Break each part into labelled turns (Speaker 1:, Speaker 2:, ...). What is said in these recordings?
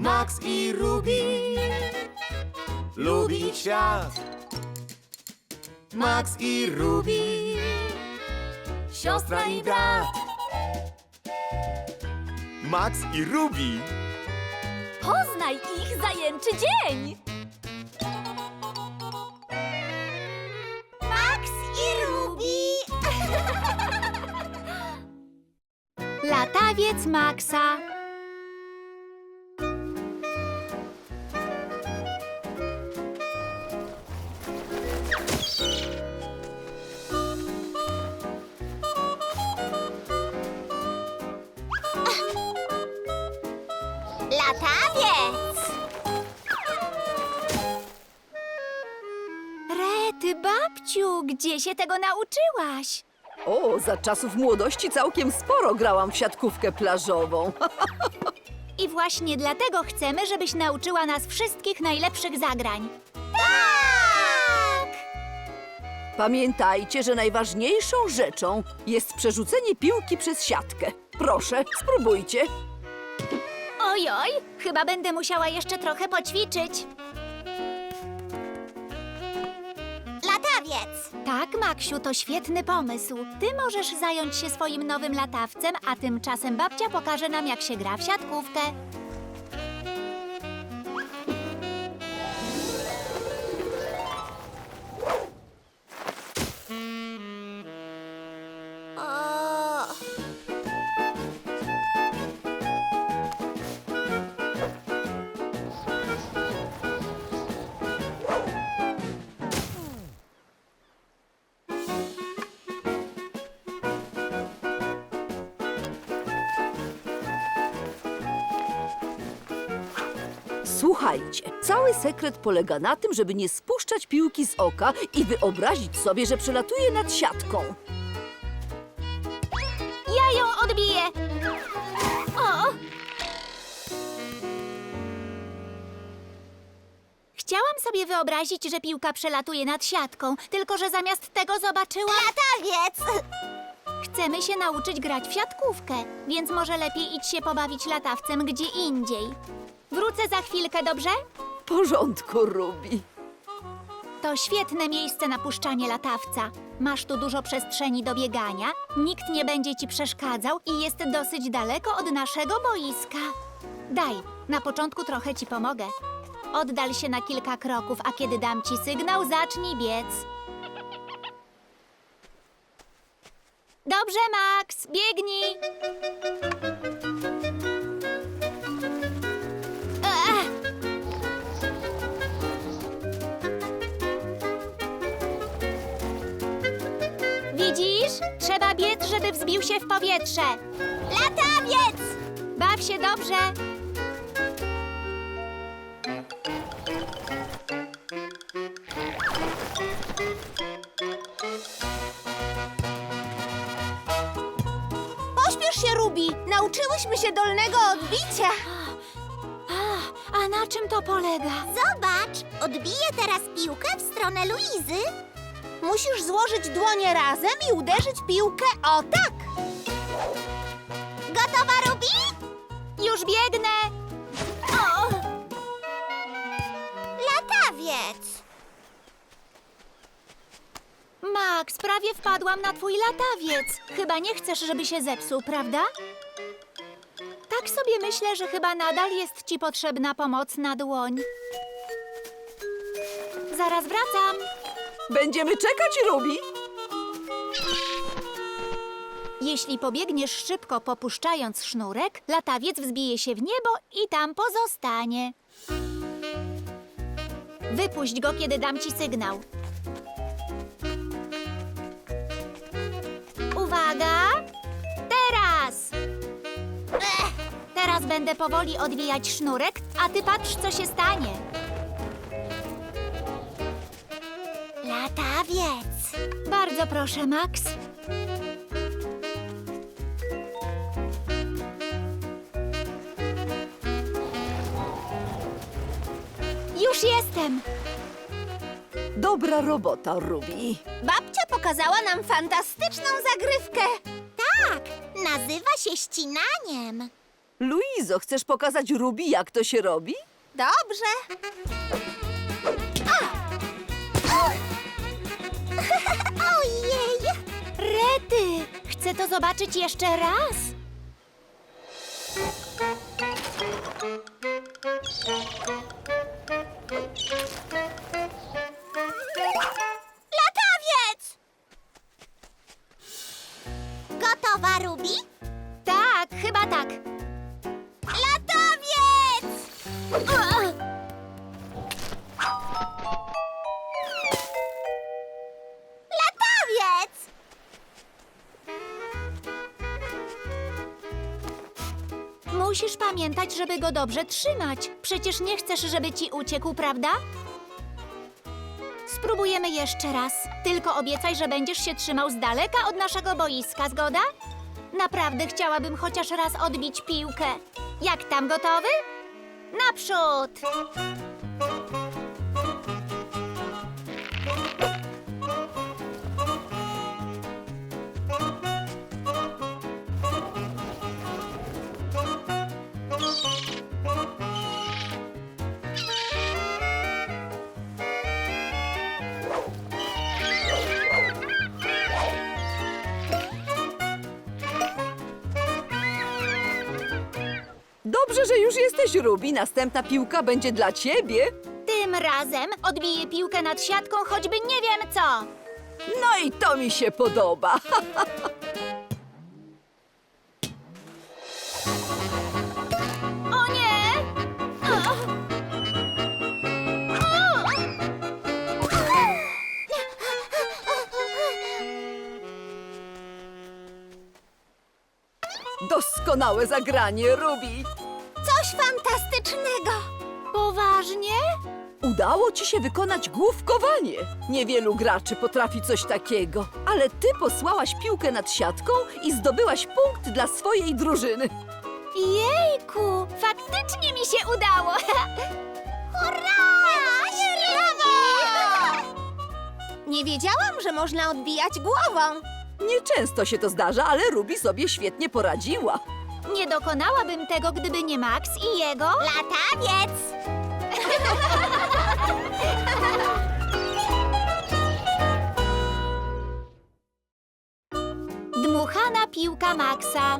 Speaker 1: Max i Ruby. Lubić świat. Max i Ruby. Siostra i brat. Max i Ruby.
Speaker 2: Poznaj ich zajęczy dzień! Max i Ruby! Latawiec Maxa. Latawiec! Rety, babciu, gdzie się tego nauczyłaś?
Speaker 3: O, za czasów młodości całkiem sporo grałam w siatkówkę plażową.
Speaker 2: I właśnie dlatego chcemy, żebyś nauczyła nas wszystkich najlepszych zagrań. Tak!
Speaker 3: Pamiętajcie, że najważniejszą rzeczą jest przerzucenie piłki przez siatkę. Proszę, spróbujcie.
Speaker 2: Ojoj, chyba będę musiała jeszcze trochę poćwiczyć. Latawiec! Tak, Maksiu, to świetny pomysł. Ty możesz zająć się swoim nowym latawcem, a tymczasem babcia pokaże nam, jak się gra w siatkówkę.
Speaker 3: Słuchajcie, cały sekret polega na tym, żeby nie spuszczać piłki z oka i wyobrazić sobie, że przelatuje nad siatką.
Speaker 2: Ja ją odbiję! O! Chciałam sobie wyobrazić, że piłka przelatuje nad siatką, tylko że zamiast tego zobaczyłam... Latawiec! Chcemy się nauczyć grać w siatkówkę, więc może lepiej idź się pobawić latawcem gdzie indziej. Wrócę za chwilkę, dobrze?
Speaker 3: W porządku, Ruby.
Speaker 2: To świetne miejsce na puszczanie latawca. Masz tu dużo przestrzeni do biegania, nikt nie będzie ci przeszkadzał i jest dosyć daleko od naszego boiska. Daj, na początku trochę ci pomogę. Oddal się na kilka kroków, a kiedy dam ci sygnał, zacznij biec. Dobrze, Max, biegnij! Widzisz? Trzeba biec, żeby wzbił się w powietrze. Latawiec! Baw się dobrze.
Speaker 4: Pośpiesz się, Ruby! Nauczyłyśmy się dolnego odbicia!
Speaker 2: A na czym to polega?
Speaker 4: Zobacz! Odbiję teraz piłkę w stronę Luizy. Musisz złożyć dłonie razem i uderzyć piłkę o tak! Gotowa, Ruby?
Speaker 2: Już biegnę! O!
Speaker 4: Latawiec!
Speaker 2: Max, prawie wpadłam na twój latawiec. Chyba nie chcesz, żeby się zepsuł, prawda? Tak sobie myślę, że chyba nadal jest ci potrzebna pomocna dłoń. Zaraz wracam.
Speaker 3: Będziemy czekać, Ruby.
Speaker 2: Jeśli pobiegniesz szybko, popuszczając sznurek, latawiec wzbije się w niebo i tam pozostanie. Wypuść go, kiedy dam ci sygnał. Uwaga! Teraz! Teraz będę powoli odwijać sznurek, a ty patrz, co się stanie.
Speaker 4: Latawiec!
Speaker 2: Bardzo proszę, Max. Już jestem!
Speaker 3: Dobra robota, Ruby.
Speaker 4: Babcia pokazała nam fantastyczną zagrywkę. Tak, nazywa się ścinaniem.
Speaker 3: Luizo, chcesz pokazać Ruby, jak to się robi?
Speaker 4: Dobrze. Ojej!
Speaker 2: Rety! Chcę to zobaczyć jeszcze raz.
Speaker 4: Latawiec! Gotowa, Ruby?
Speaker 2: Tak, chyba tak.
Speaker 4: Latawiec! Latawiec!
Speaker 2: Musisz pamiętać, żeby go dobrze trzymać. Przecież nie chcesz, żeby ci uciekł, prawda? Spróbujemy jeszcze raz. Tylko obiecaj, że będziesz się trzymał z daleka od naszego boiska, zgoda? Naprawdę chciałabym chociaż raz odbić piłkę. Jak tam, gotowy? Naprzód!
Speaker 3: Dobrze, że już jesteś, Ruby. Następna piłka będzie dla ciebie.
Speaker 2: Tym razem odbiję piłkę nad siatką, choćby nie wiem co.
Speaker 3: No i to mi się podoba.
Speaker 2: O nie! O! O!
Speaker 3: Doskonałe zagranie, Ruby.
Speaker 4: Coś fantastycznego!
Speaker 2: Poważnie?
Speaker 3: Udało ci się wykonać główkowanie. Niewielu graczy potrafi coś takiego. Ale ty posłałaś piłkę nad siatką i zdobyłaś punkt dla swojej drużyny.
Speaker 2: Jejku, faktycznie mi się udało.
Speaker 4: Hurra! Brawo! Nie wiedziałam, że można odbijać głową.
Speaker 3: Nieczęsto się to zdarza, ale Ruby sobie świetnie poradziła.
Speaker 2: Nie dokonałabym tego, gdyby nie Max i jego...
Speaker 4: Latawiec!
Speaker 2: Dmuchana piłka Maxa.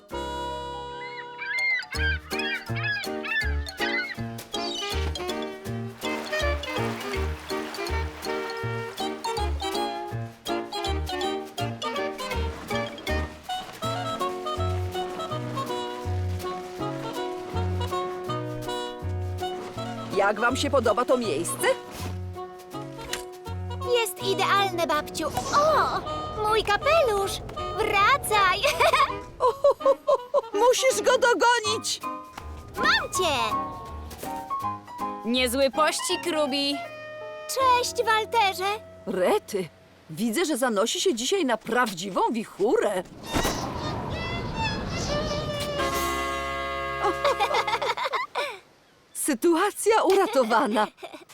Speaker 3: Jak wam się podoba to miejsce?
Speaker 2: Jest idealne, babciu. O, mój kapelusz. Wracaj.
Speaker 3: Musisz go dogonić!
Speaker 2: Mam cię.
Speaker 1: Niezły pościg, Ruby.
Speaker 2: Cześć, Walterze.
Speaker 3: Rety, widzę, że zanosi się dzisiaj na prawdziwą wichurę. Sytuacja uratowana.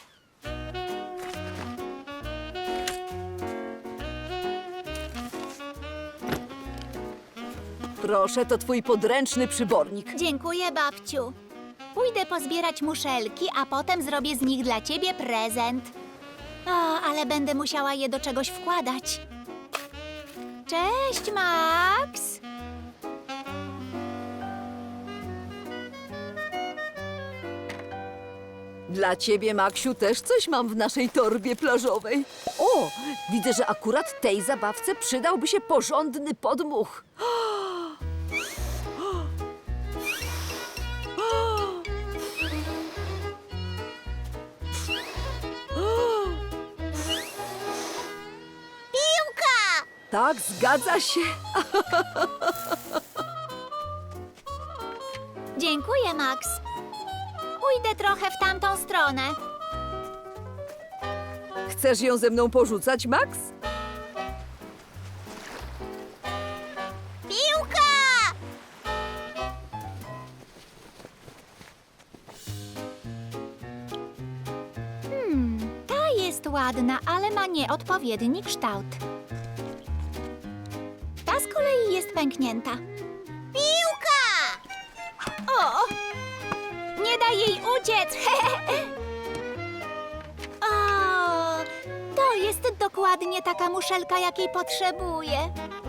Speaker 3: Proszę, to twój podręczny przybornik.
Speaker 2: Dziękuję, babciu. Pójdę pozbierać muszelki, a potem zrobię z nich dla ciebie prezent. O, ale będę musiała je do czegoś wkładać. Cześć, Max.
Speaker 3: Dla ciebie, Maksiu, też coś mam w naszej torbie plażowej. O, widzę, że akurat tej zabawce przydałby się porządny podmuch.
Speaker 4: Piłka!
Speaker 3: Tak, zgadza się.
Speaker 2: Dziękuję, Max. Pójdę trochę w tamtą stronę.
Speaker 3: Chcesz ją ze mną porzucać, Max?
Speaker 4: Piłka!
Speaker 2: Ta jest ładna, ale ma nieodpowiedni kształt. Ta z kolei jest pęknięta.
Speaker 4: Piłka!
Speaker 2: Nie daj jej uciec! O, to jest dokładnie taka muszelka, jakiej potrzebuję.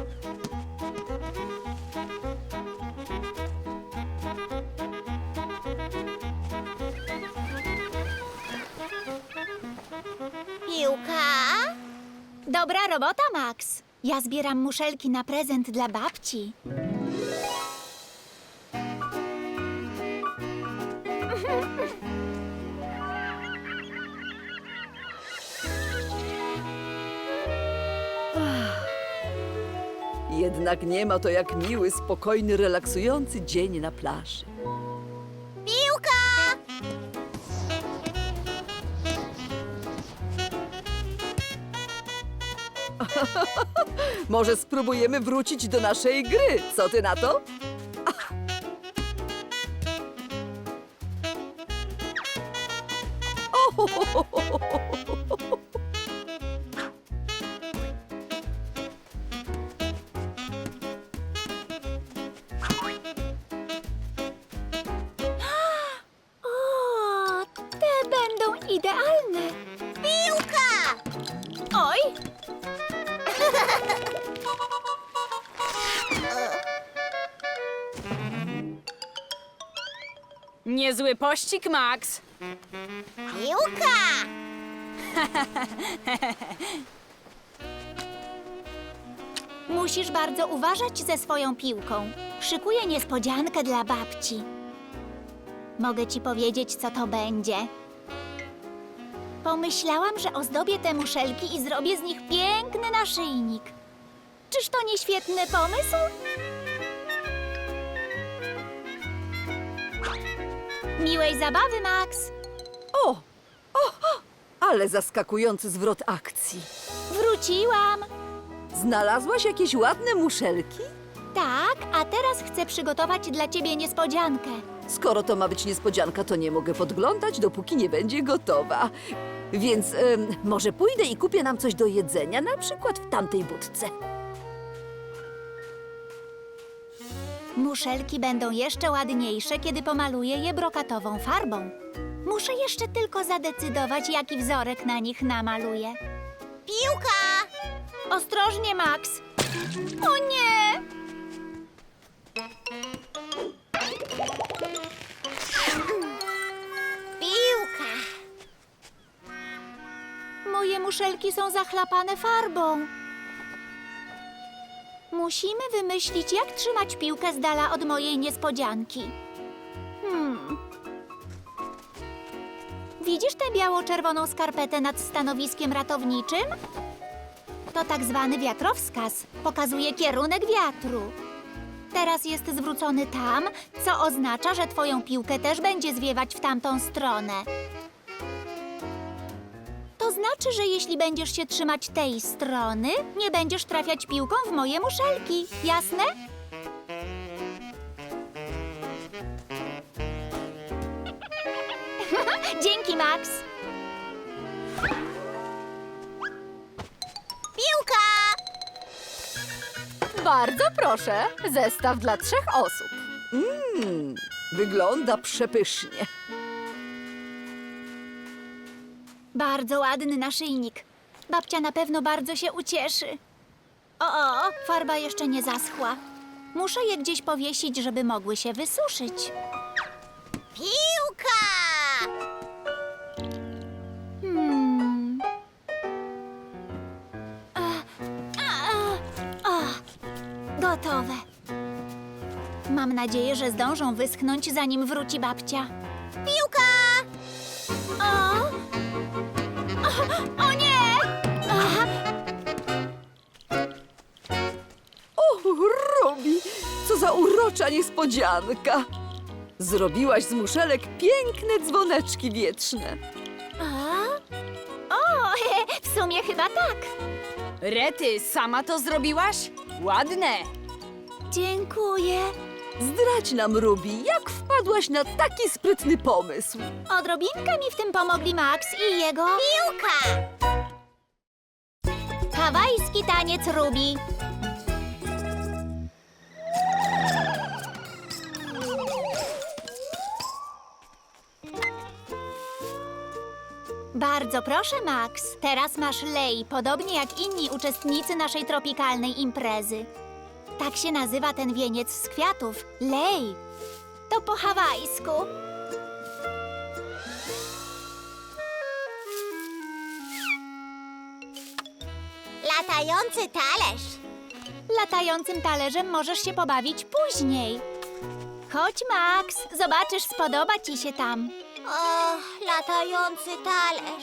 Speaker 4: Piłka?
Speaker 2: Dobra robota, Max. Ja zbieram muszelki na prezent dla babci.
Speaker 3: Jednak nie ma to jak miły, spokojny, relaksujący dzień na plaży.
Speaker 4: Piłka!
Speaker 3: Może spróbujemy wrócić do naszej gry. Co ty na to?
Speaker 2: O, te będą idealne.
Speaker 4: Piłka!
Speaker 2: Oj,
Speaker 1: Niezły pościg, Max.
Speaker 4: Piłka!
Speaker 2: musisz bardzo uważać ze swoją piłką. Szykuję niespodziankę dla babci. Mogę ci powiedzieć, co to będzie. Pomyślałam, że ozdobię te muszelki i zrobię z nich piękny naszyjnik. Czyż to nie świetny pomysł? Miłej zabawy, Max.
Speaker 3: O, ale zaskakujący zwrot akcji.
Speaker 2: Wróciłam.
Speaker 3: Znalazłaś jakieś ładne muszelki?
Speaker 2: Tak, a teraz chcę przygotować dla ciebie niespodziankę.
Speaker 3: Skoro to ma być niespodzianka, to nie mogę podglądać, dopóki nie będzie gotowa. Więc może pójdę i kupię nam coś do jedzenia, na przykład w tamtej budce.
Speaker 2: Muszelki będą jeszcze ładniejsze, kiedy pomaluję je brokatową farbą. Muszę jeszcze tylko zadecydować, jaki wzorek na nich namaluję.
Speaker 4: Piłka!
Speaker 2: Ostrożnie, Max! O nie!
Speaker 4: Piłka!
Speaker 2: Moje muszelki są zachlapane farbą. Musimy wymyślić, jak trzymać piłkę z dala od mojej niespodzianki. Widzisz tę biało-czerwoną skarpetę nad stanowiskiem ratowniczym? To tak zwany wiatrowskaz. Pokazuje kierunek wiatru. Teraz jest zwrócony tam, co oznacza, że twoją piłkę też będzie zwiewać w tamtą stronę. To znaczy, że jeśli będziesz się trzymać tej strony, nie będziesz trafiać piłką w moje muszelki. Jasne? Dzięki, Max.
Speaker 4: Piłka!
Speaker 2: Bardzo proszę. Zestaw dla 3 osób.
Speaker 3: Wygląda przepysznie.
Speaker 2: Bardzo ładny naszyjnik. Babcia na pewno bardzo się ucieszy. O, farba jeszcze nie zaschła. Muszę je gdzieś powiesić, żeby mogły się wysuszyć.
Speaker 4: Piłka!
Speaker 2: Gotowe. Mam nadzieję, że zdążą wyschnąć, zanim wróci babcia.
Speaker 4: Piłka!
Speaker 2: O nie!
Speaker 3: O, Robi, co za urocza niespodzianka. Zrobiłaś z muszelek piękne dzwoneczki wietrzne.
Speaker 2: O, w sumie chyba tak.
Speaker 1: Rety, sama to zrobiłaś? Ładne.
Speaker 2: Dziękuję.
Speaker 3: Zdradź nam, Ruby, jak wpadłaś na taki sprytny pomysł.
Speaker 2: Odrobinkę mi w tym pomogli Max i jego
Speaker 4: Piłka!
Speaker 2: hawajski taniec Ruby. Bardzo proszę, Max. Teraz masz lej, podobnie jak inni uczestnicy naszej tropikalnej imprezy. Tak się nazywa ten wieniec z kwiatów. Lej. To po hawajsku.
Speaker 4: Latający talerz.
Speaker 2: Latającym talerzem możesz się pobawić później. Chodź, Max. Zobaczysz, spodoba ci się tam.
Speaker 4: O, latający talerz.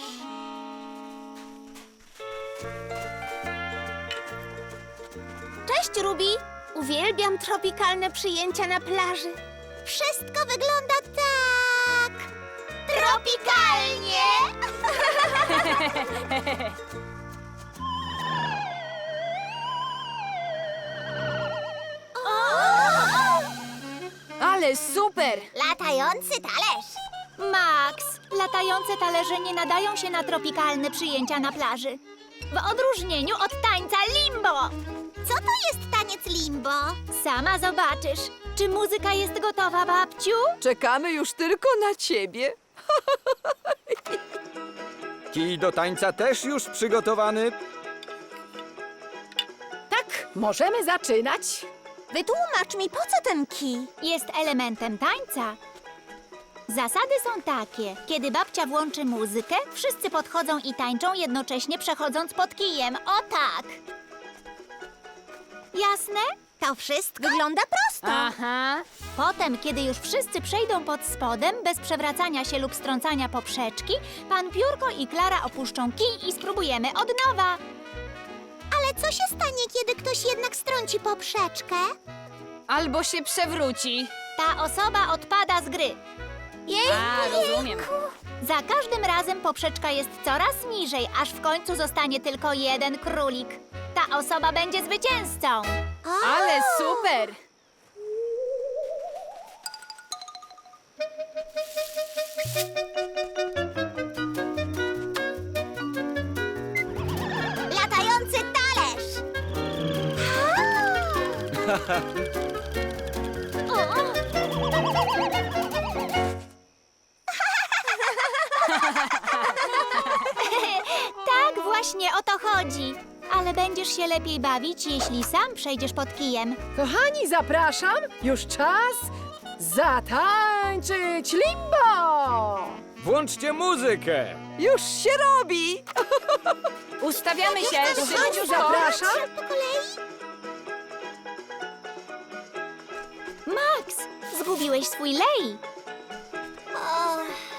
Speaker 4: Cześć, Ruby. Uwielbiam tropikalne przyjęcia na plaży. Wszystko wygląda tak... tropikalnie!
Speaker 3: Ale super!
Speaker 4: Latający talerz.
Speaker 2: Max, latające talerze nie nadają się na tropikalne przyjęcia na plaży. W odróżnieniu od tańca limbo.
Speaker 4: Co to jest taniec limbo?
Speaker 2: Sama zobaczysz. Czy muzyka jest gotowa, babciu?
Speaker 3: Czekamy już tylko na ciebie.
Speaker 5: Kij do tańca też już przygotowany.
Speaker 3: Tak, możemy zaczynać.
Speaker 4: Wytłumacz mi, po co ten kij?
Speaker 2: Jest elementem tańca. Zasady są takie. Kiedy babcia włączy muzykę, wszyscy podchodzą i tańczą, jednocześnie przechodząc pod kijem. O tak! Jasne?
Speaker 4: To wszystko wygląda prosto.
Speaker 2: Aha. Potem, kiedy już wszyscy przejdą pod spodem, bez przewracania się lub strącania poprzeczki, pan Piórko i Klara opuszczą kij i spróbujemy od nowa.
Speaker 4: Ale co się stanie, kiedy ktoś jednak strąci poprzeczkę?
Speaker 6: Albo się przewróci.
Speaker 2: Ta osoba odpada z gry.
Speaker 6: Rozumiem.
Speaker 2: Za każdym razem poprzeczka jest coraz niżej, aż w końcu zostanie tylko jeden królik. Ta osoba będzie zwycięzcą.
Speaker 6: Ale super!
Speaker 4: Latający talerz.
Speaker 2: Tak właśnie o to chodzi. Ale będziesz się lepiej bawić, jeśli sam przejdziesz pod kijem.
Speaker 7: Kochani, zapraszam! Już czas zatańczyć limbo!
Speaker 5: Włączcie muzykę.
Speaker 3: Już się robi!
Speaker 6: Ustawiamy się.
Speaker 7: Kochani, zapraszam!
Speaker 4: Po kolei?
Speaker 2: Max, zgubiłeś swój lej.
Speaker 4: O.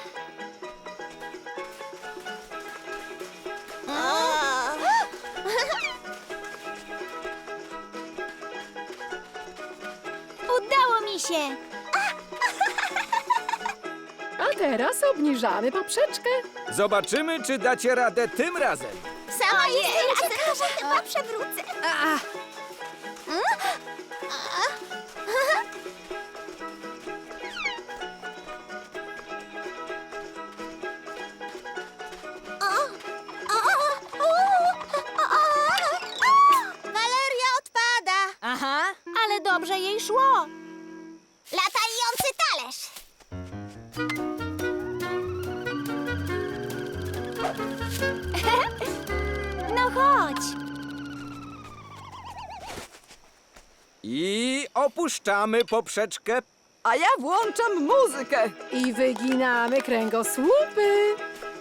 Speaker 4: O.
Speaker 2: Udało mi się.
Speaker 7: A teraz obniżamy poprzeczkę.
Speaker 5: Zobaczymy, czy dacie radę tym razem.
Speaker 4: Sama jestem ciekawa, chyba przewrócę. Waleria odpada.
Speaker 6: Aha.
Speaker 2: Ale dobrze jej szło.
Speaker 4: Latający talerz.
Speaker 2: No chodź.
Speaker 5: I opuszczamy poprzeczkę.
Speaker 3: A ja włączam muzykę.
Speaker 7: I wyginamy kręgosłupy.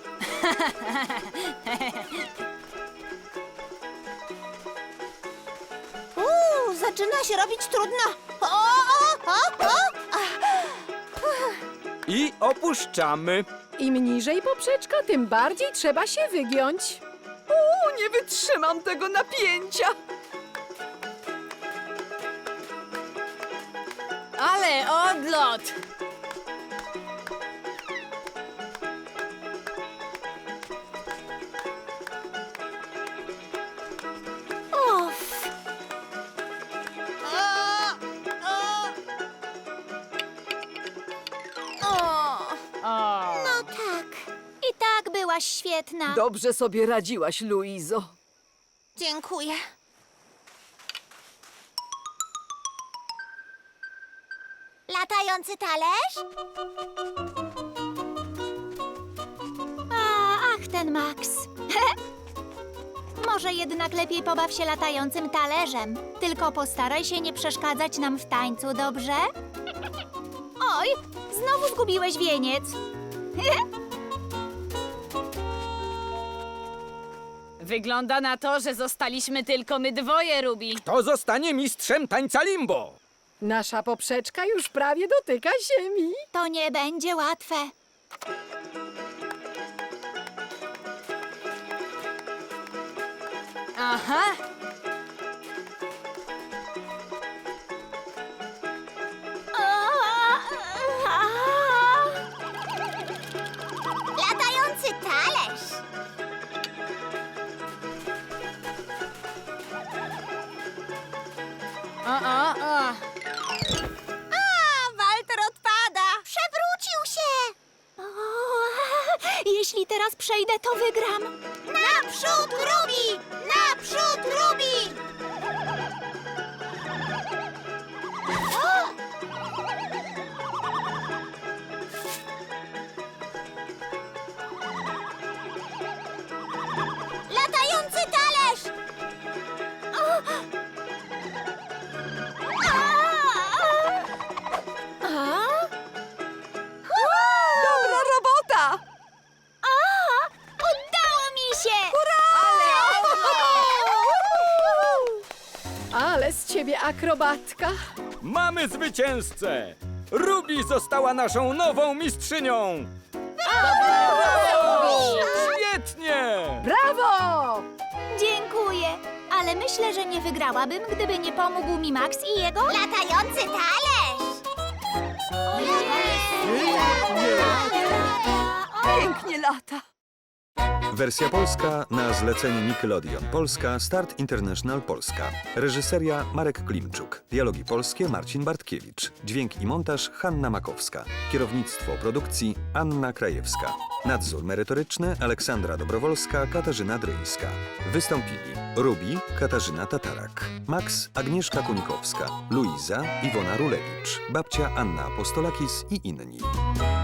Speaker 4: Zaczyna się robić trudno. O.
Speaker 5: I opuszczamy.
Speaker 7: Im niżej poprzeczka, tym bardziej trzeba się wygiąć.
Speaker 3: Nie wytrzymam tego napięcia.
Speaker 6: Ale odlot!
Speaker 2: Uff.
Speaker 6: O.
Speaker 4: No tak.
Speaker 2: I tak byłaś świetna.
Speaker 3: Dobrze sobie radziłaś, Luizo.
Speaker 4: Dziękuję. Latający talerz?
Speaker 2: Ach ten Max. Może jednak lepiej pobaw się latającym talerzem. Tylko postaraj się nie przeszkadzać nam w tańcu, dobrze? Oj, znowu zgubiłeś wieniec.
Speaker 6: Wygląda na to, że zostaliśmy tylko my dwoje, Ruby.
Speaker 5: To zostanie mistrzem tańca limbo.
Speaker 7: Nasza poprzeczka już prawie dotyka ziemi.
Speaker 2: To nie będzie łatwe.
Speaker 6: Aha.
Speaker 4: Latający talerz.
Speaker 6: O.
Speaker 4: Walter odpada. Przewrócił się.
Speaker 2: Jeśli teraz przejdę, to wygram.
Speaker 4: Naprzód, Ruby! Naprzód, Ruby! Latający talerz!
Speaker 3: Dobra robota!
Speaker 2: Udało mi się!
Speaker 7: Ale z ciebie akrobatka.
Speaker 5: Mamy zwycięzcę! Ruby została naszą nową mistrzynią! Świetnie!
Speaker 7: Brawo!
Speaker 2: Dziękuję, ale myślę, że nie wygrałabym, gdyby nie pomógł mi Max i jego...
Speaker 4: Latający talerz!
Speaker 3: Pięknie lata.
Speaker 8: Wersja polska na zlecenie Nickelodeon Polska, Start International Polska. Reżyseria Marek Klimczuk. Dialogi polskie Marcin Bartkiewicz. Dźwięk i montaż Hanna Makowska. Kierownictwo produkcji Anna Krajewska. Nadzór merytoryczny Aleksandra Dobrowolska, Katarzyna Dryńska. Wystąpili Ruby, Katarzyna Tatarak, Max, Agnieszka Kunikowska, Luiza, Iwona Rulewicz, babcia Anna Apostolakis i inni.